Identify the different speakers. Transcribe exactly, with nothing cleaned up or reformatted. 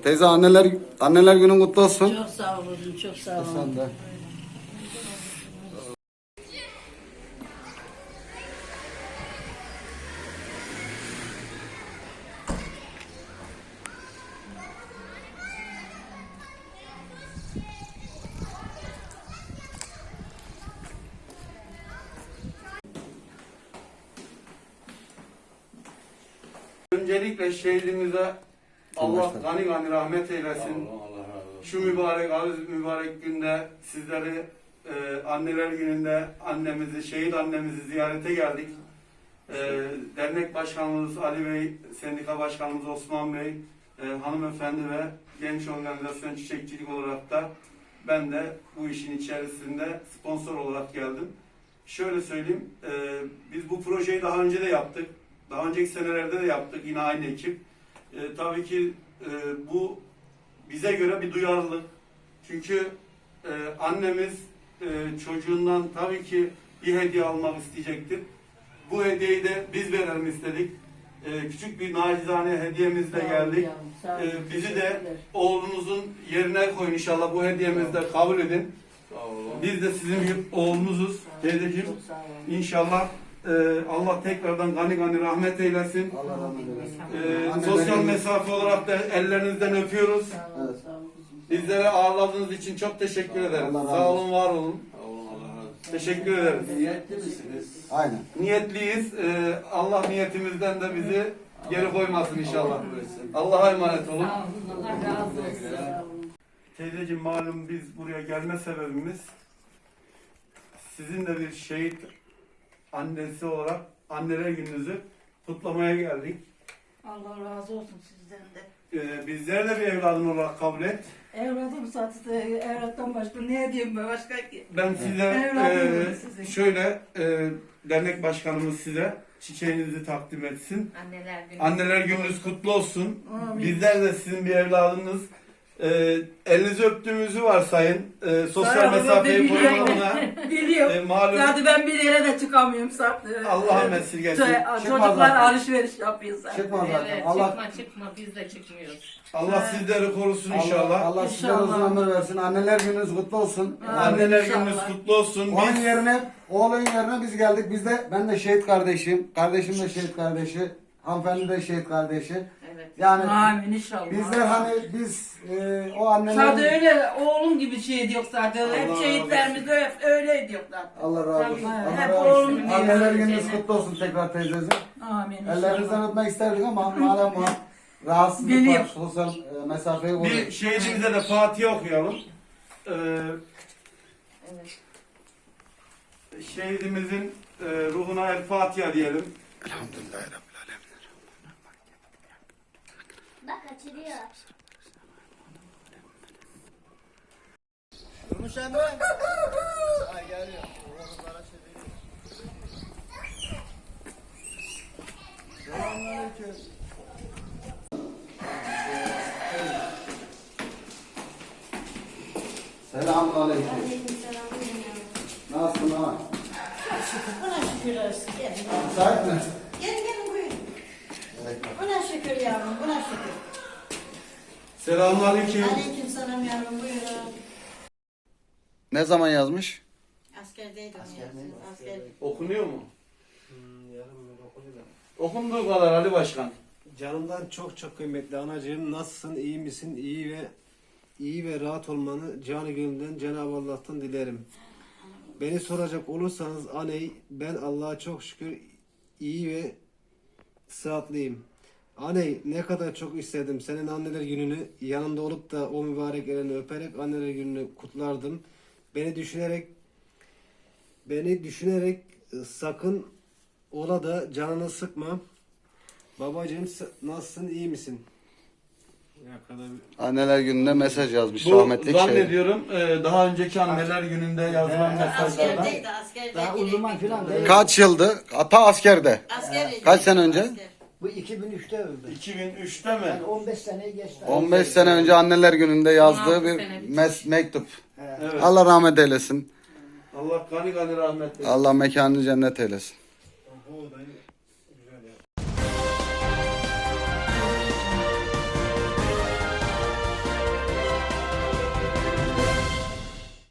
Speaker 1: Teyze anneler anneler günün kutlu olsun.
Speaker 2: Çok sağ olun, çok sağ olun.
Speaker 1: Sen de.
Speaker 3: Öncelikle şehidimize Allah gani gani rahmet eylesin. Şu mübarek, aziz mübarek günde sizleri e, anneler gününde annemizi, şehit annemizi ziyarete geldik. E, dernek başkanımız Ali Bey, sendika başkanımız Osman Bey, e, hanımefendi ve genç organizasyon çiçekçilik olarak da ben de bu işin içerisinde sponsor olarak geldim. Şöyle söyleyeyim, e, biz bu projeyi daha önce de yaptık. Daha önceki senelerde de yaptık yine aynı ekip. E, tabii ki e, bu bize göre bir duyarlılık. Çünkü e, annemiz e, çocuğundan tabii ki bir hediye almak isteyecektir. Bu hediyeyi de biz verelim istedik. E, küçük bir nacizane hediyemizle geldik. E, bizi de oğlunuzun yerine koyun inşallah. Bu hediyemizi de kabul edin. Biz de sizin oğlunuzuz teyzeciğim. İnşallah Ee, Allah tekrardan gani gani rahmet eylesin.
Speaker 1: Allah rahmet eylesin.
Speaker 3: Ee, sosyal mesafe olarak da ellerinizden öpüyoruz.
Speaker 1: Evet.
Speaker 3: Bizlere ağırladığınız için çok teşekkür ederim.
Speaker 1: Allah razı
Speaker 3: Sağ olun,
Speaker 1: olsun.
Speaker 3: var olun. Teşekkür ederiz.
Speaker 4: Niyetli misiniz?
Speaker 1: Aynen.
Speaker 3: Niyetliyiz. Ee, Allah niyetimizden de bizi geri koymasın inşallah. Allah'a emanet olun.
Speaker 2: Sağ olun, Allah razı olsun. Sağ olun.
Speaker 3: Teyzeciğim malum biz buraya gelme sebebimiz sizin de bir şehit annesi olarak anneler gününüzü kutlamaya geldik.
Speaker 2: Allah razı olsun sizden de.
Speaker 3: Ee, bizleri de bir evladın olarak kabul et.
Speaker 2: Evladım sattı, evlattan başka ne diyeyim ben başka ki?
Speaker 3: Ben size
Speaker 2: Evladım
Speaker 3: e,
Speaker 2: sizin.
Speaker 3: şöyle e, dernek başkanımız size çiçeğinizi takdim etsin.
Speaker 5: Anneler günü.
Speaker 3: Anneler gününüz kutlu olsun.
Speaker 2: Amin.
Speaker 3: Bizler de sizin bir evladınız. E, elinizi öptüğümüzü varsayın. E, sosyal
Speaker 2: Sağ olun,
Speaker 3: mesafeyi
Speaker 2: biliyorum.
Speaker 3: koyun ona.
Speaker 2: Biliyorum.
Speaker 3: E, malum
Speaker 2: Zaten ben bir yere de çıkamıyorum sattı.
Speaker 3: Allah'a esirgesin.
Speaker 2: Çocuklar
Speaker 1: zaten.
Speaker 2: alışveriş yapıyor zaten.
Speaker 1: Çıkma zaten.
Speaker 5: Evet,
Speaker 1: Allah
Speaker 5: çıkma çıkma biz de çıkmıyoruz.
Speaker 3: Allah sizleri korusun
Speaker 1: Allah,
Speaker 3: inşallah.
Speaker 1: Allah sizlere
Speaker 2: İnşallah.
Speaker 1: uzun ömür versin. Anneler gününüz kutlu olsun.
Speaker 2: Amin.
Speaker 3: Anneler
Speaker 2: İnşallah.
Speaker 3: gününüz kutlu olsun.
Speaker 1: Onun
Speaker 3: Biz
Speaker 1: yerine, oğlun yerine biz geldik. Biz de, ben de şehit kardeşim. Kardeşim de şehit kardeşi. Hanımefendi de şehit kardeşi.
Speaker 5: Evet.
Speaker 1: Yani
Speaker 2: Amin inşallah.
Speaker 1: bizler hani biz e, o
Speaker 2: Zaten
Speaker 1: annelerin...
Speaker 2: öyle oğlum gibi şey diyor zaten. Hep
Speaker 3: Allah
Speaker 2: şehitlerimiz de hep öyle diyor zaten.
Speaker 1: Allah razı olsun.
Speaker 2: Tabii,
Speaker 1: Allah
Speaker 2: hep
Speaker 1: razı olsun.
Speaker 2: oğlum
Speaker 1: Anneler
Speaker 2: diyor.
Speaker 1: gününüz kutlu olsun tekrar teyzeciğim.
Speaker 2: Amin inşallah.
Speaker 1: Ellerinizden öpmek isterdik ama malum bu rahatsızlık var.
Speaker 2: Biliyorum.
Speaker 1: Sosyal e, mesafeyi
Speaker 3: bir
Speaker 1: koruyoruz.
Speaker 3: şehidimize de Fatiha okuyalım. Ee,
Speaker 5: Evet.
Speaker 3: şehidimizin e, ruhuna el Fatiha diyelim.
Speaker 1: Elhamdülillah Rabbil Alemin.
Speaker 6: Bak açılıyor.
Speaker 1: Selamun aleyküm.
Speaker 6: Aleykümselam.
Speaker 1: Nasılsın ha?
Speaker 6: Buna şükür olsun. Gelin.
Speaker 1: Müsait mi?
Speaker 6: Gelin gelin buyurun.
Speaker 1: Evet.
Speaker 6: Buna şükür yavrum, buna şükür.
Speaker 3: Selamünaleyküm.
Speaker 6: Aleykümselam yavrum, buyurun.
Speaker 1: Ne zaman yazmış?
Speaker 6: Askerdeydim yavrum, asker.
Speaker 3: Okunuyor mu?
Speaker 4: Hmm, yarım yıl okuyacağım.
Speaker 3: Okunduğu kadar Ali Başkan.
Speaker 4: Canımdan çok çok kıymetli anacığım, nasılsın, iyi misin, iyi ve iyi ve rahat olmanı canı gönülden Cenab-ı Allah'tan dilerim. Beni soracak olursanız aney, ben Allah'a çok şükür iyi ve sıhhatliyim. Aney, ne kadar çok istedim senin anneler gününü yanında olup da o mübarek elini öperek anneler gününü kutlardım. Beni düşünerek beni düşünerek e, sakın ola da canını sıkma. Babacığım s- nasılsın, iyi misin? Ya kadar
Speaker 1: Anneler gününde mesaj yazmış
Speaker 3: Bu
Speaker 1: rahmetli şey.
Speaker 3: zannediyorum e, daha önceki anneler gününde yazılan mesajlardan.
Speaker 6: Askerdeydi, askerdeydi.
Speaker 7: Daha o zaman filan değil.
Speaker 1: Kaç yıldı? Ta askerde.
Speaker 6: Askerdeydi.
Speaker 1: Kaç sene önce?
Speaker 6: Asker.
Speaker 7: Bu iki bin üçte öldü.
Speaker 3: iki bin üçte mi?
Speaker 7: Yani on beş seneyi geçti.
Speaker 1: on beş sene önce anneler gününde yazdığı
Speaker 5: on altı
Speaker 1: bir
Speaker 5: sene
Speaker 1: mes- mektup.
Speaker 3: Evet.
Speaker 1: Allah rahmet eylesin.
Speaker 3: Allah gani gani rahmet eylesin.
Speaker 1: Allah mekanını cennet eylesin.
Speaker 4: o da